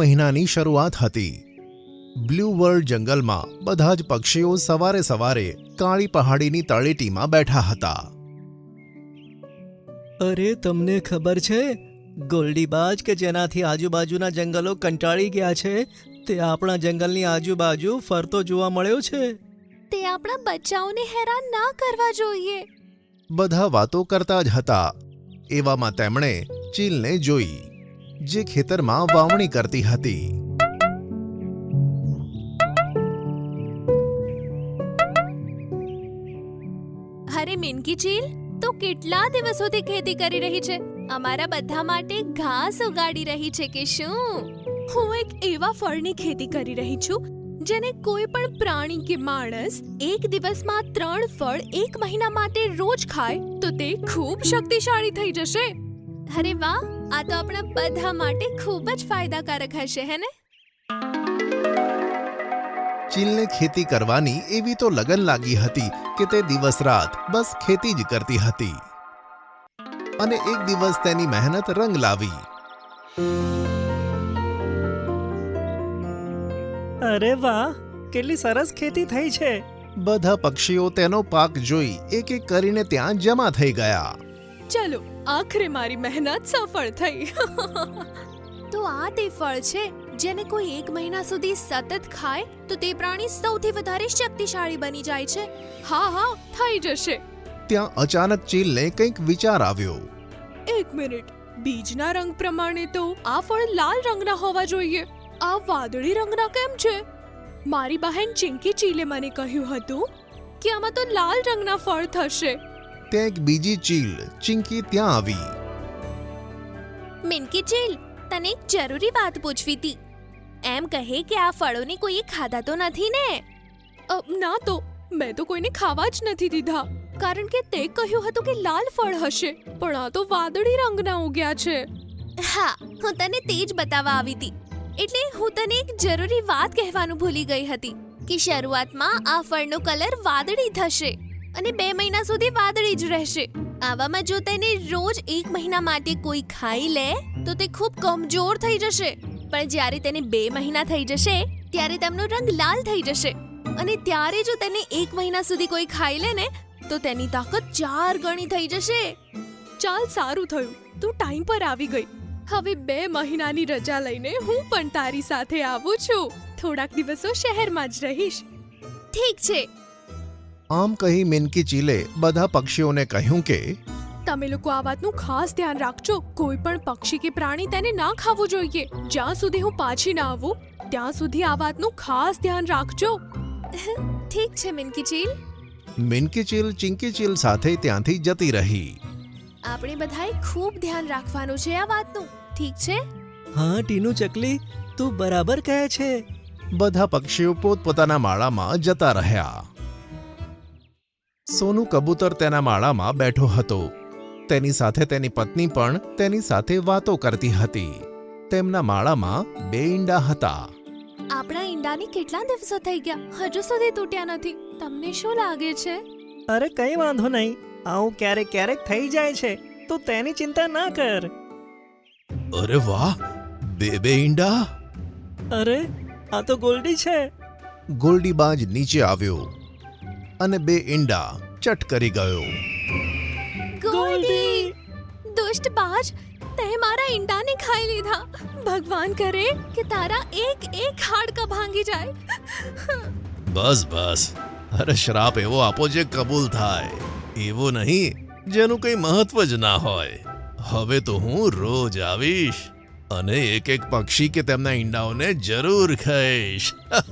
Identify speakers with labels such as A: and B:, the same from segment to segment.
A: મહિનાની શરૂઆત હતી. બ્લુ વર્લ્ડ જંગલમાં બધા જ પક્ષીઓ સવારે સવારે કાળી પહાડીની તળેટીમાં બેઠા હતા.
B: અરે તમને ખબર છે, ગોલ્ડીબાજ કે જેનાથી આજુબાજુના જંગલો કંટાળી ગયા છે, તે આપણા જંગલની આજુબાજુ ફરતો જોવા મળ્યો છે.
C: તે આપણા બચ્ચાઓને હેરાન ના કરવા જોઈએ.
A: બધા વાતો કરતા જ હતા. એવામાં તેમણે ચીલને જોઈ, જે ખેતરમાં વાવણી કરતી હતી.
C: અરે મિનકી ચીલ, તો કેટલા દિવસોથી ખેતી કરી રહી છે? અમારા બધા માટે ઘાસ ઉગાડી રહી છે કે શું? હું એક એવા ફળની ખેતી કરી રહી છું જેને કોઈ પણ પ્રાણી કે માણસ એક દિવસમાં 3 ફળ 1 મહિના માટે રોજ ખાય તો તે ખૂબ શક્તિશાળી થઈ જશે. અરે વાહ, આ તો આપણા બધા માટે ખૂબ જ ફાયદાકારક હશે, હે ને?
A: ચીલને ખેતી કરવાની એવી તો લગન લાગી હતી કે તે દિવસ રાત બસ ખેતી જ કરતી હતી. અને એક દિવસ તેની મહેનત રંગ લાવી.
B: અરે વાહ, કેટલી સરસ ખેતી થઈ છે.
A: બધા પક્ષીઓ તેનો પાક જોઈ એક એક કરીને ત્યાં જમા થઈ ગયા.
C: ચલો, આખરે મારી મહેનત સફળ થઈ. તો આ તે ફળ છે જેને કોઈ 1 મહિના સુધી સતત ખાય તો તે પ્રાણી સૌથી વધારે શક્તિશાળી બની જાય છે. હા, થઈ જશે.
A: ત્યાં અચાનક ચીલને કંઈક વિચાર આવ્યો.
C: એક મિનિટ, બીજના રંગ પ્રમાણે તો આ ફળ લાલ રંગના હોવા જોઈએ. આ વાદળી રંગના કેમ છે? મારી બહેન ચિંકી ચીલે મને કહ્યું હતું કે આમાં તો લાલ રંગના ફળ થશે.
A: ત્યાં એક બીજી ચીલ ચિંકી ત્યાં આવી.
C: મિનકી ચીલ, તને એક જરૂરી વાત પૂછવી હતી. એમ કહે કે આ ફળોને કોઈએ ખાધા તો નથી ને? ના, તો મેં તો કોઈને ખાવા જ નથી દીધા, કારણ કે તે કહ્યું હતું કે લાલ ફળ હશે, પણ આ તો વાદળી રંગના ઉગ્યા છે. હા, હું તને તે જ બતાવવા આવી હતી. એટલે હું તને એક જરૂરી વાત કહેવાનું ભૂલી ગઈ હતી કે શરૂઆતમાં આ ફળનો કલર વાદળી થશે અને 2 મહિના સુધી વાદળી જ રહેશે. આવામાં જો તેને રોજ 1 મહિના માટે કોઈ ખાઈ લે તો તે ખૂબ કમજોર થઈ જશે. પણ જ્યારે તેને 2 મહિના થઈ જશે ત્યારે તેમનો રંગ લાલ થઈ જશે. અને ત્યારે જો તેને 1 મહિના સુધી કોઈ ખાઈ લે ને તો તેની તાકાત 4 ગણી થઈ જશે. ચાલ, સારું થયું તું ટાઈમ પર આવી ગઈ. હવે 2 મહિનાની રજા લઈને હું પણ તારી સાથે આવું છું. થોડાક દિવસો શહેરમાં જ રહીશ. ઠીક છે.
A: આમ કહી મિનકી ચીલે બધા પક્ષીઓને કહ્યું કે
C: તમે લોકો આ વાતનું ખાસ ધ્યાન રાખજો. કોઈ પણ પક્ષી કે પ્રાણી તેને ના ખાવું જોઈએ. જ્યાં સુધી હું પાછી ના આવું ત્યાં સુધી આ વાતનું ખાસ ધ્યાન રાખજો. ઠીક છે મિનકી ચીલ.
A: મિનકી ચીલ ચિંકી ચીલ સાથે ત્યાંથી જતી રહી.
C: આપણે બધાએ ખૂબ ધ્યાન રાખવાનું છે આ વાતનું, ઠીક છે?
B: હા ટીનુ ચકલી, તું બરાબર કહે છે.
A: બધા પક્ષીઓ પોતપોતાના માળામાં જતા રહ્યા. સોનું કબૂતર તેના માળામાં બેઠો હતો. તેની સાથે તેની પત્ની પણ તેની સાથે વાતો કરતી હતી. તેમના માળામાં 2 ઈંડા હતા.
C: આપણા ઈંડાને કેટલા દિવસો થઈ ગયા, હજુ સુધી તૂટ્યા નથી. તમને શું લાગે છે?
B: અરે કઈ વાંધો નહીં, આવું ક્યારેક ક્યારેક થઈ જાય છે, તો તેની ચિંતા ના કર.
A: અરે વાહ, 2 ઈંડા.
B: અરે આ તો ગોલ્ડી છે.
A: ગોલ્ડીબાજ નીચે આવ્યો અને 2 ઈંડા ચટ કરી ગયો.
C: ગોલ્ડી! દુષ્ટ બાજ, તે મારા ઈંડાને ખાઈ લીધા. ભગવાન કરે કે તારા એક હાડકા ભાંગી જાય.
A: બસ. અરે શ્રાપ એવો આપો જે કબૂલ થાય, એવો નહીં જેનું કંઈ મહત્વ જ ના હોય. હવે તો હું રોજ આવીશ અને એક પક્ષી કે તેમના ઈંડાઓને જરૂર ખાઈશ.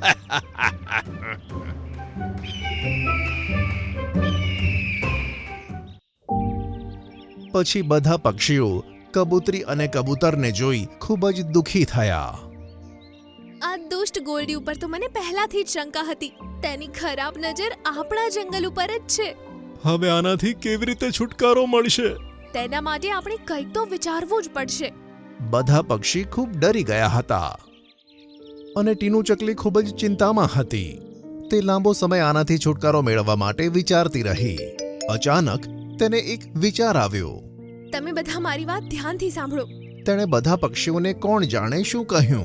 A: પછી બધા પક્ષીઓ કબૂતરી અને કબૂતરને જોઈ ખૂબ જ દુઃખી થયા.
C: આ દુષ્ટ ગોલ્ડી ઉપર તો મને પહેલાથી જ શંકા હતી. તેની ખરાબ નજર આપણા જંગલ ઉપર જ છે.
A: હવે આનાથી કેવી રીતે છુટકારો મળશે?
C: તેના માટે આપણે કંઈક તો વિચારવું જ પડશે.
A: બધા પક્ષી ખૂબ ડરી ગયા હતા અને ટીનુ ચકલી ખૂબ જ ચિંતામાં હતી. તે લાંબો સમય આનાથી છુટકારો મેળવવા માટે વિચારતી રહી. અચાનક તેને એક વિચાર આવ્યો.
C: તમે બધા મારી વાત ધ્યાનથી સાંભળો.
A: તેણે બધા પક્ષીઓને કોણ જાણે શું કહ્યું.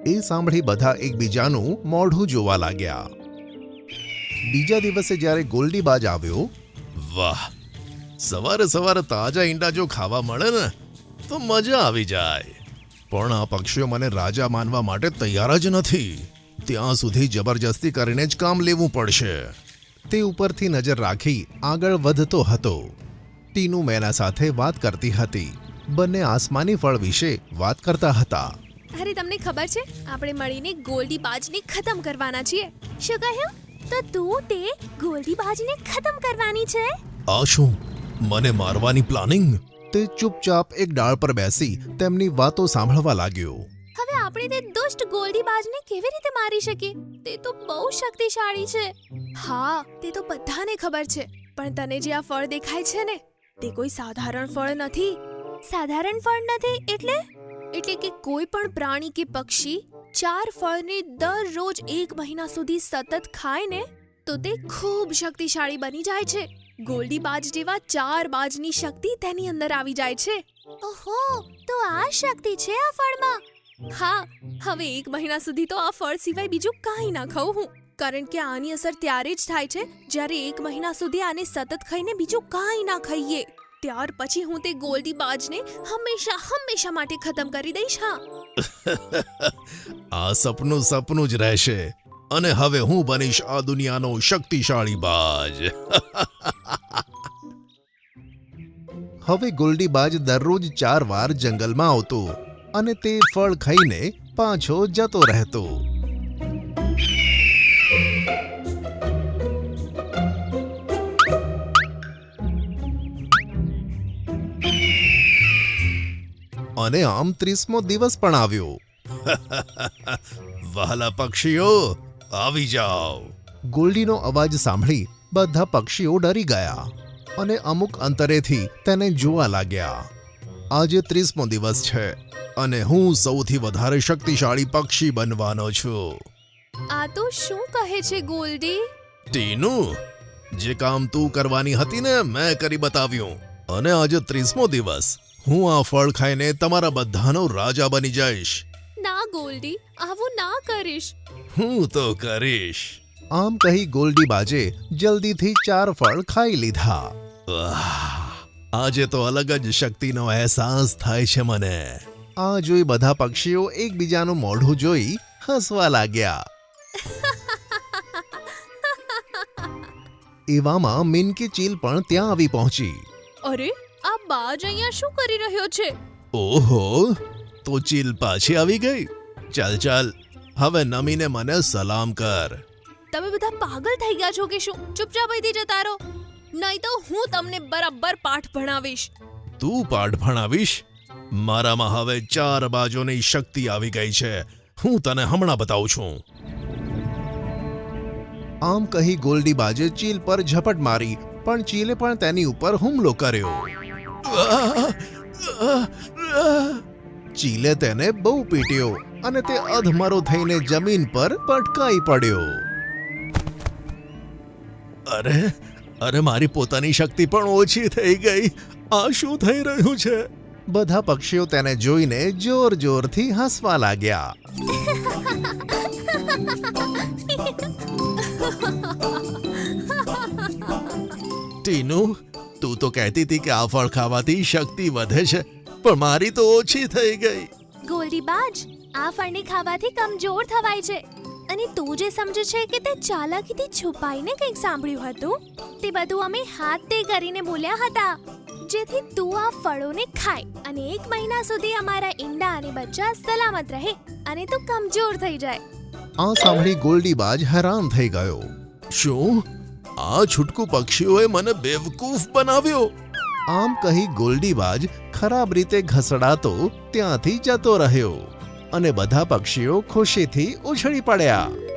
A: એ સાંભળી બધા એકબીજાનું મોઢું જોવા લાગ્યા. બીજા દિવસે જ્યારે ગોલ્ડીબાજ આવ્યો, વાહ, સવારે સવારે તાજા ઈંડા જો ખાવા મળે ને તો મજા આવી જાય. પણ આ પક્ષીઓ મને રાજા માનવા માટે તૈયાર જ નથી. ત્યાં સુધી જબરજસ્તી કરીને જ કામ લેવું પડશે. તે ઉપરથી નજર રાખી આગળ વધતો હતો. ટીનુ મેના સાથે વાત કરતી હતી. બંને આસમાની ફળ વિશે વાત કરતા હતા.
C: અરે તમને ખબર છે, આપણે મળીને ગોલ્ડીબાજને ખતમ કરવાના છીએ. શું કહ્યું? તો તું તે ગોલ્ડીબાજને ખતમ કરવાની છે?
A: આ શું, મને મારવાની પ્લાનિંગ? તે ચૂપચાપ એક ડાળ પર બેસી તેમની વાતો સાંભળવા લાગ્યો.
C: હવે આપણે તે દુષ્ટ ગોલ્ડીબાજને કેવી રીતે મારી શકીએ? તે તો બહુ શક્તિશાળી છે. હા, તે તો બધાને ખબર છે. પણ તને જે આ ફળ દેખાય છે ને, તે કોઈ સાધારણ ફળ નથી. સાધારણ ફળ નથી એટલે કે કોઈ પણ પ્રાણી કે પક્ષી 4 ફળને દરરોજ 1 મહિના સુધી સતત ખાય ને તો તે ખૂબ શક્તિશાળી બની જાય છે. ગોલ્ડીબાજ જેવા 4 બાજની શક્તિ તેની અંદર આવી જાય છે. ઓહો, તો આ શક્તિ છે આ ફળમાં. હા, હવે 1 મહિના સુધી તો આ ફળ સિવાય બીજું કાંઈ ના ખાઉં હું. કારણ કે આની અસર ત્યારે જ થાય છે જ્યારે 1 મહિના સુધી આને સતત ખાઈને બીજું કાંઈ ના ખાઈએ. ત્યાર પછી હું તે ગોલ્ડીબાજને હંમેશા માટે ખતમ કરી દઈશ. હા,
A: આ સપનું જ રહેશે અને હવે હું બનીશ આ દુનિયાનો શક્તિશાળી બાજ. હવે ગોલ્ડીબાજ દરરોજ 4 વાર જંગલમાં આવતો અને તે ફળ ખાઈને પાછો જતો રહેતો. અને આમ 30મો દિવસ પણ આવ્યો. વહાલા પક્ષીઓ, આવી જાઓ. ગોલ્ડીનો અવાજ સાંભળી બધા પક્ષીઓ ડરી ગયા અને અમુક અંતરેથી તેને જોવા લાગ્યા. આજે 30મો દિવસ છે અને હું સૌથી વધારે શક્તિશાળી પક્ષી બનવાનો છું.
C: આ તો શું કહે છે ગોલ્ડી?
A: ટીનુ, જે કામ તું કરવાની હતી ને મેં કરી બતાવ્યું. અને આજે 30મો દિવસ હું આ ફળ ખાઈને તમારા બધાનો રાજા બની જઈશ.
C: ના ગોલ્ડી, આવું ના કરીશ.
A: હું તો કરીશ. આમ કહી ગોલ્ડીબાજે જલ્દીથી 4 ફળ ખાઈ લીધા. આજે તો અલગ જ શક્તિનો અહેસાસ થાય છે મને. આ જોઈ બધા પક્ષીઓ એકબીજાનું મોઢું જોઈ હસવા લાગ્યા. એવામાં મિનકી ચીલ પણ ત્યાં આવી પહોંચી.
C: અરે, આ બાજ અહીંયા શું કરી રહ્યો છે?
A: ઓહો, તો ચીલ પાછી આવી ગઈ. ચાલ હવે નમીને મને સલામ કર.
C: તમે બધા પાગલ થઈ ગયા છો કે શું? ચૂપચાપ અહીંથી જતા રહો, નહીં તો હું તમને બરાબર પાઠ ભણાવીશ.
A: તું પાઠ ભણાવીશ? મારામાં હવે 4 બાજુની શક્તિ આવી ગઈ છે. હું તને હમણાં બતાવું છું. આમ કહી ગોલ્ડીબાજે ચીલ પર ઝપટ મારી, પણ ચીલે પણ તેની ઉપર હુમલો કર્યો. ચીલે તેને બહુ પીટ્યો અને તે અધમરો થઈને જમીન પર પટકાઈ પડ્યો. અરે મારી પોતાની શક્તિ પણ ઓછી થઈ ગઈ. આ શું થઈ રહ્યું છે? બધા પક્ષીઓ તેને જોઈને જોરથી હસવા લાગ્યા. ટીનુ, તું તો કહેતી હતી કે આ ફળ ખાવાથી શક્તિ વધે છે, પણ મારી તો ઓછી થઈ ગઈ.
C: ગોલ્ડીબાજ, આ ફળને ખાવાથી કમજોર થવાય છે. અને તું જે સમજે છે કે તે ચાલાકીથી છુપાઈને કંઈક સાંભળ્યું હતું, તે બધું અમે હાથે કરીને બોલ્યા હતા, જેથી તું આ ફળોને ખાય અને 1 મહિના સુધી અમારા ઈંડા અને બચ્ચા સલામત રહે અને તું કમજોર થઈ જાય.
A: આ સાંભળી ગોલ્ડીબાજ હેરાન થઈ ગયો. શું આ છૂટકુ પક્ષીઓએ મને બેવકૂફ બનાવ્યો? આમ કહી ગોલ્ડીબાજ ખરાબ રીતે ઘસડાતો ત્યાંથી જતો રહ્યો અને બધા પક્ષીઓ ખુશીથી ઉછળી પડ્યા.